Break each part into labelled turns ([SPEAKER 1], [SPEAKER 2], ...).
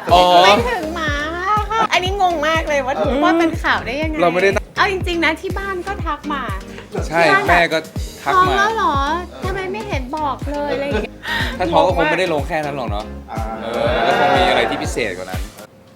[SPEAKER 1] ไม่ถึงหมาค่ะอันนี้งงมากเลยว่าเป็นข่าวได้ยังไง
[SPEAKER 2] เราไม่ได้
[SPEAKER 1] เอาจริงๆนะที่บ้านก็ทักมา
[SPEAKER 2] ใช่แม่ก็ทัก
[SPEAKER 1] ท้อง
[SPEAKER 2] มา
[SPEAKER 1] แล้วเหรอทำไมไม่เห็นบอกเลยอะไรอย่างเงี้ย
[SPEAKER 2] ถ้าท้องก็คงไม่ได้ลงแค่นั้นหรอกเนาะก็คงมีอะไรที่พิเศษกว่านั้น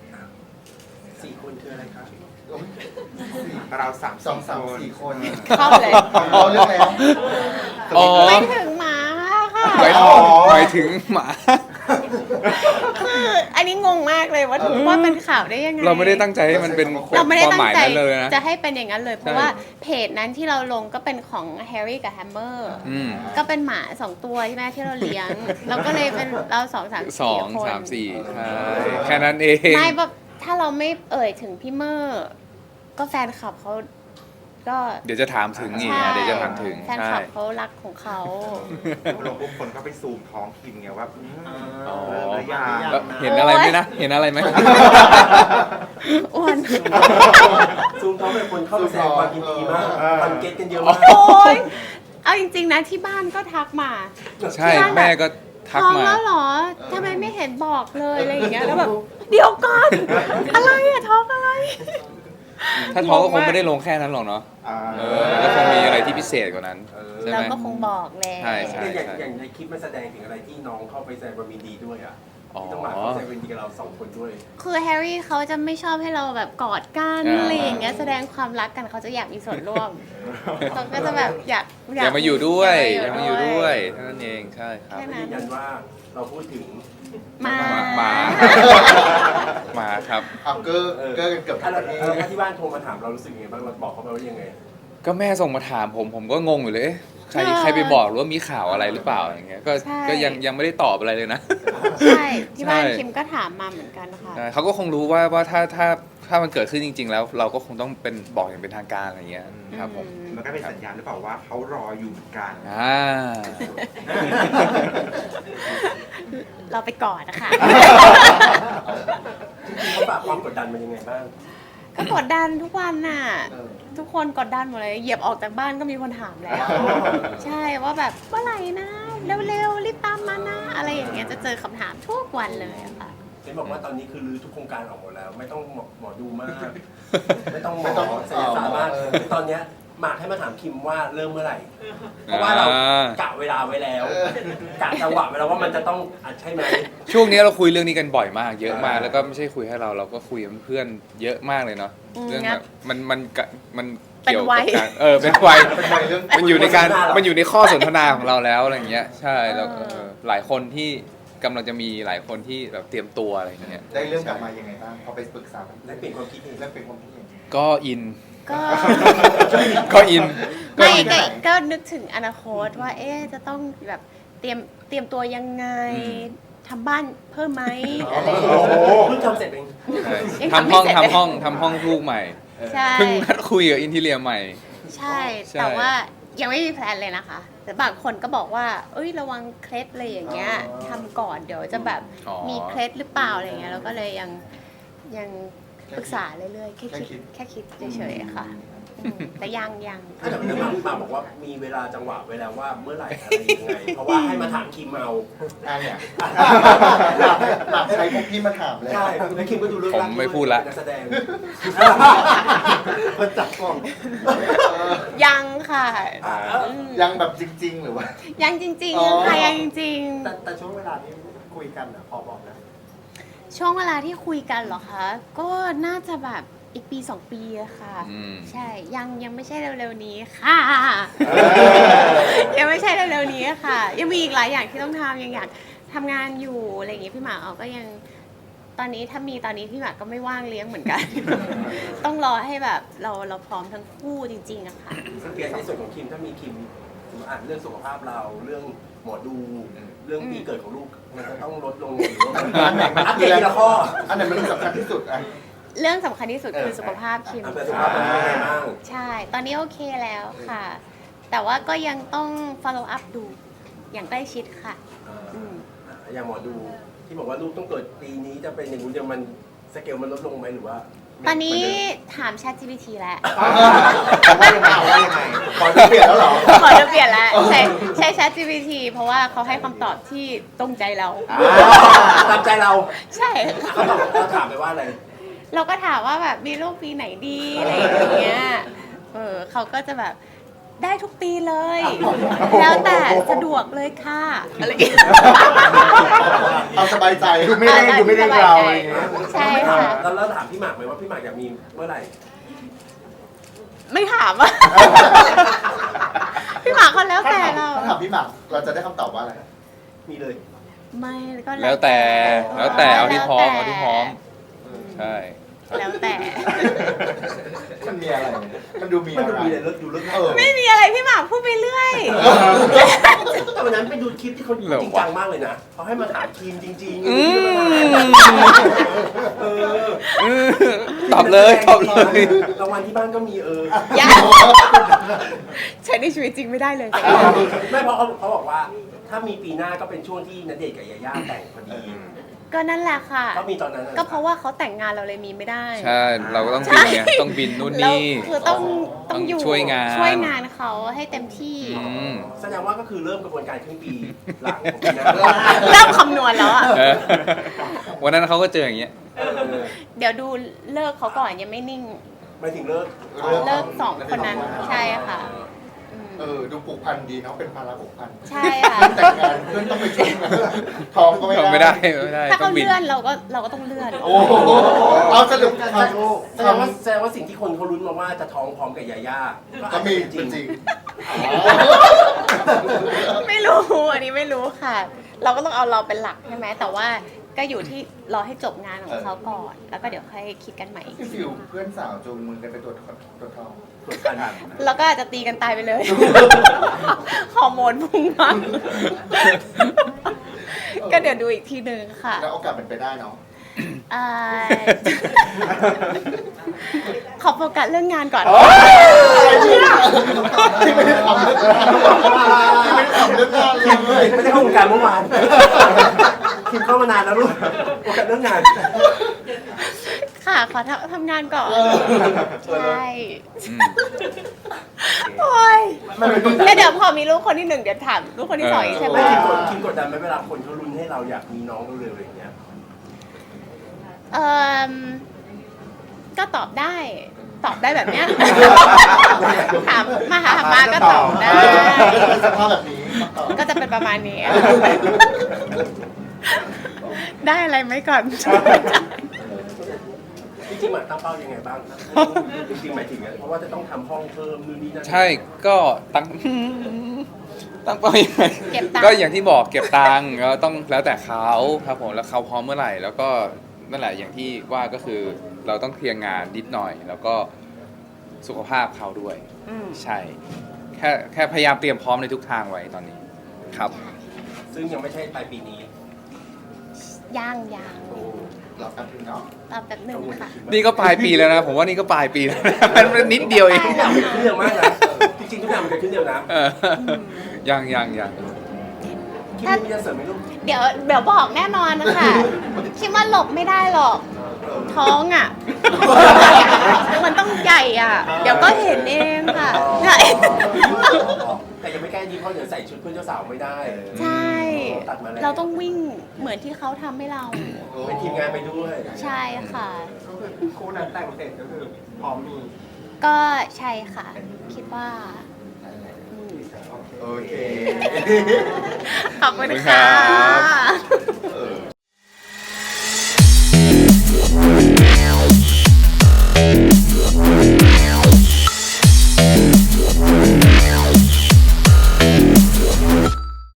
[SPEAKER 3] 4 คนคืออะไรครับ
[SPEAKER 4] เราสาม
[SPEAKER 3] 4 คน
[SPEAKER 1] เข้าเลย
[SPEAKER 3] เราเลือกแล้ว
[SPEAKER 2] อ๋อ
[SPEAKER 1] ไม่ถึงหมาค่ะ
[SPEAKER 2] หมายถึงหมา
[SPEAKER 1] คืออันนี้งงมากเลยว่าเป็นข่าวได้ยังไง
[SPEAKER 2] เราไม่ได้ตั้งใจให้มันเป็น
[SPEAKER 1] เราไม่ได้
[SPEAKER 2] ความห
[SPEAKER 1] ตั้
[SPEAKER 2] มาง ย
[SPEAKER 1] ใจ
[SPEAKER 2] นั้นเลยนะ
[SPEAKER 1] จะให้เป็นอย่างนั้นเลย เพราะ
[SPEAKER 2] ใช่
[SPEAKER 1] ว่าเพจนั้นที่เราลงก็เป็นของแฮร์รี่กับแฮมเมอร์
[SPEAKER 2] อืม
[SPEAKER 1] ก็เป็นหมา2 ตัวใช่ไหมที่เราเลี้ยง เราก็เลยเป็นเรา2 3
[SPEAKER 2] สอง
[SPEAKER 1] 4 คน
[SPEAKER 2] สามสี่ใช่แค่นั้นเอง
[SPEAKER 1] ไม่แบบถ้าเราไม่เอ่ยถึงพี่เมอร์ก็แฟนคลับเขาก็
[SPEAKER 2] เดี๋ยวจะถามถึงอีก
[SPEAKER 1] ใช่
[SPEAKER 2] นะเดี๋ยวจะถามถึง
[SPEAKER 1] แฟนคลับเขารักของเขา
[SPEAKER 4] ลงปุ๊บคนก็ไปซูมท้องคิมไงว่า
[SPEAKER 2] อ๋อ
[SPEAKER 4] หรือยัง
[SPEAKER 2] แล้วเห็นอะไรไหมนะ เห็นอะไรไหม
[SPEAKER 1] อ้วน
[SPEAKER 3] ซูมท้องเป็นคนเข้าไปแสดงความยินดีมากคอนเกตกันเยอะมาก
[SPEAKER 1] โอ้ยเอาจริงๆนะที่บ้านก็ทักมา
[SPEAKER 2] ใช่แม่ก็ทัก
[SPEAKER 1] ท้อง
[SPEAKER 2] มา
[SPEAKER 1] แล้วเหรอทำไมไม่เห็นบอกเลยอะไรอย่างเงี้ยแล้วแบบเดี๋ยวก่อนอะไรอะท้องอะไร
[SPEAKER 2] ถ้าท้องก็คงไม่ได้ลงแค่นั้นหรอกเนาะก็คงมีอะไรที่พิเศษกว่านั้นใช่
[SPEAKER 1] เรา
[SPEAKER 2] ไหม
[SPEAKER 1] ก็คงบอกแหละ
[SPEAKER 2] ใช่ใช่
[SPEAKER 3] อย่างในคลิปมันแสดงถึงอะไรที่น้องเข้าไปแสดงความยินดีด้วยอ่ะ
[SPEAKER 2] อ๋อ
[SPEAKER 3] ที่ต้องมาเข้าแสดงความยินดีกับเรา2 คนด้วย
[SPEAKER 1] คือแฮร์รี่เขาจะไม่ชอบให้เราแบบกอดกันอะไรอย่างเงี้ยแสดงความรักกันเขาจะอยากมีส่วนร่วมเขาก็จะแบบอยาก
[SPEAKER 2] อย่ามาอยู่ด้วยอ
[SPEAKER 1] อ
[SPEAKER 2] ย่ามาอยู่ด้วยเท่านั้นเองใช่ครับ
[SPEAKER 1] แค่นั้
[SPEAKER 3] ยื
[SPEAKER 1] น
[SPEAKER 3] นยันว่าเราพูดถึง
[SPEAKER 1] มา
[SPEAKER 2] หมาหมาครับ
[SPEAKER 3] เอาเกอร์กันเกือบทั้งประเทศแล้วที่บ้านโทรมาถามเรารู้สึกยังไงบ้างเราบอกเขาไปว่ายังไง
[SPEAKER 2] ก็แม่ส่งมาถามผมก็งงอยู่เลยเอ๊ะใครไปบอกหรือว่ามีข่าวอะไรหรือเปล่าอย่างเงี้ยก็ยังไม่ได้ตอบอะไรเลยนะ
[SPEAKER 1] ใช่ที่บ้าน
[SPEAKER 2] ใช่
[SPEAKER 1] คิมก็ถามมาเหมือนกันค่ะ
[SPEAKER 2] ใช่เขาก็คงรู้ว่าถ้ามันเกิดขึ้นจริง ๆ แล้วเราก็คงต้องเป็นบอกอย่างเป็นทางการอะไรเงี้ยครับผม
[SPEAKER 4] มันก็เป็นสัญญาณหรือเปล่าว่าเขารออยู่เหมือนกัน
[SPEAKER 1] เราไปกอดนะคะ
[SPEAKER 3] จริงๆเขาฝากความกดดันมันยังไงบ้าง
[SPEAKER 1] ก็กดดันทุกวันน่ะ ทุกคนกดดันหมดเลยเหยียบออกจากบ้านก็มีคนถามแล้ว ใช่ว่าแบบเมื่อไหร่นะเร็วๆรีบตามมานะอะไรอย่างเงี้ยจะเจอคำถามทุกวันเลยอะค่ะ
[SPEAKER 3] เห็นบอกว่าตอนนี้คือรื้อทุกโครงการออกหมดแล้ว ไม่ต้องหมอดูมาก ไม่ต้องหมอศัลยศาสตร์มากคือตอนเนี้ยหมากให้มาถามคิมว่าเริ่มเมื่อไหร่ เพราะว่าเรากะเวลาไว้แล้วกะจังหวะไว้แล้วว่ามันจะต้องใช่ไหม
[SPEAKER 2] ช่วงนี้เราคุยเรื่องนี้กันบ่อยมาก เยอะมากแล้วก็ไม่ใช่คุยให้เราก็คุยกับเพื่อนเยอะมากเลยเนาะเรื่องแบบมันเกี่ยวกับการเป็นวัยมันอยู่ในข้อสนทนาของเราแล้วอะไรอย่างเงี้ยใช่แล้วหลายคนที่กำลังจะมีหลายคนที่แบบเตรียมตัวอะไรอย่างเงี้ย
[SPEAKER 5] ได้เรื่องกลับมายังไงบ้างพอไปปรึกษา
[SPEAKER 3] และเปลี่ยนความคิดเอง
[SPEAKER 5] แล้วเป็นความคิดเห็น
[SPEAKER 2] ก็อิน
[SPEAKER 1] ก็
[SPEAKER 2] ก็อิน
[SPEAKER 1] ไม่
[SPEAKER 2] อิน
[SPEAKER 1] ก็นึกถึงอนาคตว่าจะต้องแบบเตรียมตัวยังไงทำบ้านเพิ่มไหมอะไรอย่าง
[SPEAKER 3] โอ้
[SPEAKER 1] เงี้ย
[SPEAKER 3] โหเพิ่งทำเสร็จเอง
[SPEAKER 2] ใช่
[SPEAKER 1] ยัง
[SPEAKER 2] ทำห้อง
[SPEAKER 1] ทำไม่เสร็จ
[SPEAKER 2] ทำห้องลูกใหม่
[SPEAKER 1] ใช่
[SPEAKER 2] เพิ่งนัดคุยกับอินทีเรียใหม่
[SPEAKER 1] ใช่
[SPEAKER 2] ใช่
[SPEAKER 1] แต่ว่ายังไม่มีแพลนเลยนะคะ แต่บางคนก็บอกว่าเอ้ยระวังเคล็ดอะไรอย่างเงี้ยทำก่อนเดี๋ยวจะแบบมีเคล็ดหรือเปล่าอะไรเงี้ยเราก็เลยยังปรึกษาเรื่อยๆแค่คิดเฉยๆค่ะแต่ยัง
[SPEAKER 3] ถ้าแต่หมากบอกว่ามีเวลาจังหวะไว้แล้วว่าเมื่อไหร่อะไรยังไง เพราะว่าให้มาถามคิมเอา
[SPEAKER 5] เนี่ยหลับใช้พวกพี่มาถามแล้ว
[SPEAKER 3] ใช่แล้วคิมก็ดูเรื่อง
[SPEAKER 2] ผมไม่พูดละ
[SPEAKER 3] เป็นนักแสดง
[SPEAKER 5] มันจับกล้อง
[SPEAKER 1] ยังค่ะ
[SPEAKER 5] ยังแบบจริง ๆ หรือว่า
[SPEAKER 1] ยังจริง
[SPEAKER 5] อ๋อ
[SPEAKER 1] ๆค่ะยังจริง
[SPEAKER 3] แต่ช่วงเวลาที่คุยกันพอบอกนะ
[SPEAKER 1] ๆช่วงเวลาที่คุยกันเหรอคะก็น่าจะแบบอีกปี2 ปีอะค่ะ ใช่ยังไม่ใช่เร็วๆนี้ค่ะ ยังไม่ใช่เร็วๆนี้ค่ะ ยังมีอีกหลายอย่างที่ต้องทำยังอยากทำงานอยู่อะไรอย่างงี้พี่หมากก็ยังตอนนี้ถ้ามีตอนนี้พี่หมากก็ไม่ว่างเลี้ยงเหมือนกัน ต้องรอให้แบบเราพร้อมทั้งคู่จริงๆอะค่ะ
[SPEAKER 3] เปลี่ยนในส่วนของคิมถ้ามีคิมเรื่องสุขภาพเราเรื่องหมอดูเรื่องปีเกิดของลูกมันจะต้องลดลงหรือว่าอัปเดตทีละข้อ
[SPEAKER 5] อันไหนมันสำคัญที่สุดอ่ะ
[SPEAKER 1] เรื่องสำคัญที่สุดคือสุขภาพคิม
[SPEAKER 3] อัปเดตสุขภาพเป็นยังไงบ้าง
[SPEAKER 1] ใช่ ตอนนี้โอเคแล้วค่ะ แต่ว่าก็ยังต้อง follow up ดูอย่างใกล้ชิดค่ะอืม
[SPEAKER 3] อย่างหมอดูที่บอกว่าลูกต้องเกิดปีนี้จะเป็นอย่างนู้นเดียวมันสเกลมันลดลงไหมหรือว่า
[SPEAKER 1] ตอนนี้ถาม ChatGPT แล้ว
[SPEAKER 5] ว่ายังไงว่ายังไงขอจะเปลี่ยนแล้วเหรอ
[SPEAKER 1] ขอจะเปลี่ยนแล้วใช้ ChatGPT เพราะว่าเขาให้คำตอบที่ตรงใจเรา
[SPEAKER 3] ตามใจเรา
[SPEAKER 1] ใช่
[SPEAKER 3] เขาตอบเราถามไปว่าอะไร
[SPEAKER 1] เราก็ถามว่าแบบมีลูกปีไหนดีอะไรอย่างเงี้ยเขาก็จะแบบได้ทุกปีเลย แล้วแต่สะดวกเลยค่ะอะไรอย่างเงี้ย
[SPEAKER 5] เอาสบายใจดูไม่ได้ดูไม่ได้เราอะไรอย่างเงี้ย
[SPEAKER 1] ใช่ค่ะ
[SPEAKER 3] แล้วถามพี่หมากไหมว่าพี่หมากอยากมีเมื่อไหร่
[SPEAKER 1] ไม่ถามอ่ะ พี่หมาเขาแล้วแต่เรา
[SPEAKER 5] ถ้าถามพี่หมากเราจะได้คำตอบว่าอะไร
[SPEAKER 3] มีเลย
[SPEAKER 1] ไม่ก็
[SPEAKER 2] แล้วแต่เอาที่พร้อมใช่
[SPEAKER 1] แล้วแต่
[SPEAKER 5] มันมีอะไร มันดูมี
[SPEAKER 3] มัน
[SPEAKER 5] อะไร
[SPEAKER 3] ดูมีอะไรเลิศดูเลิศ
[SPEAKER 1] ไม่มีอะไรพี่หมาพูดไปเรื่อย
[SPEAKER 3] แต่วันนั้นไปดูคลิปที่เขาจริงจังมากเลยนะเขาให้มาถามทีมจริงๆ
[SPEAKER 2] ตอบเลยตอบเลย
[SPEAKER 3] รางวัลที่บ้านก็มี
[SPEAKER 1] ยังใช้ในชีวิตจริงไม่ได้เลย
[SPEAKER 3] ไม่เพราะเขาบอกว่า ถ้ามีปีหน้าก็เป็นช่วงที่ณเดชน์กับยาย่าแต่งพอดี
[SPEAKER 1] ก็นั่นแหละค่ะ
[SPEAKER 3] ก็มีตอนนั้น
[SPEAKER 1] ก็เพราะว่าเขาแต่งงานเราเลยมีไม่ได้
[SPEAKER 2] ใช่เราก็ต้องบินไงต้องบินนู่นนี่
[SPEAKER 1] แล้วคือต้องอยู่
[SPEAKER 2] ช่วยงาน
[SPEAKER 1] เขาให้เต็มที่
[SPEAKER 3] แสดงว่าก็คือเริ่มกระบวนการครึ่งปีหลังของปีหน้า
[SPEAKER 1] เริ่มคำนวณแล้วอ่ะ
[SPEAKER 2] เออวันนั้นเขาก็เจออย่างเงี้ย
[SPEAKER 1] เดี๋ยวดูเลิกเขาก่อนยังไม่นิ่ง
[SPEAKER 3] ไม่ถึงเลิก
[SPEAKER 1] เลิกสองคนนั้นใช่ค่ะอืม
[SPEAKER 5] ดูผูกพันดีเนาะเป็นภาระผูกพัน
[SPEAKER 1] ใช่ค่ะ
[SPEAKER 5] แต่งงานเพื่อนต้องไปช่วยท้องก็ไม่ได้
[SPEAKER 2] ไม่ได้
[SPEAKER 1] ถ้า
[SPEAKER 2] ต้
[SPEAKER 1] เขา
[SPEAKER 2] องบิน
[SPEAKER 1] เลื่อนเราก็ต้องเลื่อน
[SPEAKER 5] โอ้โหเอาสรุป
[SPEAKER 3] แสดงว่าสิ่งที่คนเขาลุ้นมาว่าจะท้องพร้อมกับยาย่า
[SPEAKER 5] ก็มี
[SPEAKER 3] จ
[SPEAKER 5] จ
[SPEAKER 3] ริ
[SPEAKER 5] ริ
[SPEAKER 3] ง
[SPEAKER 5] ง
[SPEAKER 1] ไม่รู้อันนี้ไม่รู้ค่ะ เราก็ต้องเอาเราเป็นหลักใช่ไหมแต่ว่าก็อยู่ที่รอให้จบงานของเขาก่อน แล้วก็เดี๋ยวค่อยคิดกันใหม่
[SPEAKER 5] พี่ฟิวเพื่อนสาวจูงมือกันไปตรวจทอง
[SPEAKER 3] กดกัน
[SPEAKER 1] แล้วก็อาจจะตีกันตายไปเลย ฮอร์โมนพุ่งมากก็เดี๋ยวดูอีกทีหนึ่งค่ะ
[SPEAKER 5] แล้วโอกาสเป็นไปได้เนาะ
[SPEAKER 1] เอ่อขอโฟกัสเรื่องงานก่อน
[SPEAKER 5] ที่ไม่ได้ทำเรื่องงานที่ไม่ได้ทำเรื่องงานเลย
[SPEAKER 3] ไม่ได้เข้าวงการเมื่อวานคิมเข้ามานานแล้วลูกโอกาสเรื่องงาน
[SPEAKER 1] ค่ะ ขอทำงานก่อน ใช่
[SPEAKER 2] อืม
[SPEAKER 1] โอ้ยแล้วเดี๋ยวพอมีลูกคนที่หนึ่งเดี๋ยวถามลูกคนที่สองอีกใช่ไหม
[SPEAKER 3] ไม่คิมกดดันไหมเวลาคนเขาลุ้นให้เราอยากมีน้องเร็วๆอย่างเงี้ย
[SPEAKER 1] เอ่อก็ตอบได้ ตอบได้แบบเนี้ย ถามมาก็ตอบได้
[SPEAKER 5] สภาพแบบนี้
[SPEAKER 1] ก็จะเป็นประมาณนี้ ได้อะไรไหมก่อน
[SPEAKER 3] จริงๆหมายตั้งเป้ายังไงบ้างจริงๆหมายถึงเพราะว่าจะต้องทำห้องเพิ่มนู่นนี่นั่น
[SPEAKER 2] ใช่ก็ตั้งเป้ายังไง
[SPEAKER 1] เก็บตังค์
[SPEAKER 2] ก็อย่างที่บอกเก็บตังค์ก็ต้องแล้วแต่เขาครับผมแล้วเขาพร้อมเมื่อไหร่ แล้วก็นั่นแหละอย่างที่ว่าก็คือเราต้องเคลียร์งานนิดหน่อย แล้วก็สุขภาพเขาด้วย
[SPEAKER 1] อืม
[SPEAKER 2] ใช่แค่พยายามเตรียมพร้อมในทุกทางไว้ตอนนี้ครับ
[SPEAKER 3] ซึ่งยังไม่ใช่ปลายปีนี้
[SPEAKER 1] ย่าง
[SPEAKER 3] โอ้
[SPEAKER 5] หลับกันถึงเนาะ
[SPEAKER 1] ตอบแบบหนึ่งค่ะ
[SPEAKER 2] นี่ก็ปลายปีแล้วนะ ผมว่านี่ก็ปลายปีแล้วนะมันนิดเดียวเอง
[SPEAKER 3] ทุกอย่างมันเกิดขึ้นเร็วมากนะจริงๆทุกอย่างมันเกิดขึ้นเร็วนะ
[SPEAKER 2] เออยัง
[SPEAKER 3] คิมมีจะเสริมไหมลูก
[SPEAKER 1] เดี๋ยวบอกแน่นอนนะคะ คิดว่าหลบไม่ได้หรอก ท้องอ่ะ มันต้องใหญ่อ่ะ เดี๋ยวก็เห็นเองค่ะ
[SPEAKER 3] แต่ยังไม่ใกล้นี้เพราะเดี๋ยวใส่ชุดเพื่อนเจ้าสาวไม่ได้
[SPEAKER 1] ใช่
[SPEAKER 3] ตัดมาแล้ว
[SPEAKER 1] เราต้องวิ่งเหมือนที่เขาทำให้เรา
[SPEAKER 3] เป็นทีมงานไปด้วย
[SPEAKER 1] ใช่ค่ะ
[SPEAKER 3] คู่นั้นแต่งเสร็จก็คือพร้อมมี
[SPEAKER 1] ก็ใช่ค่ะ คิดว่าอืม
[SPEAKER 5] โอเค
[SPEAKER 1] ขอบคุณ
[SPEAKER 2] ขอบคุณครั
[SPEAKER 1] ค่ะ
[SPEAKER 2] บ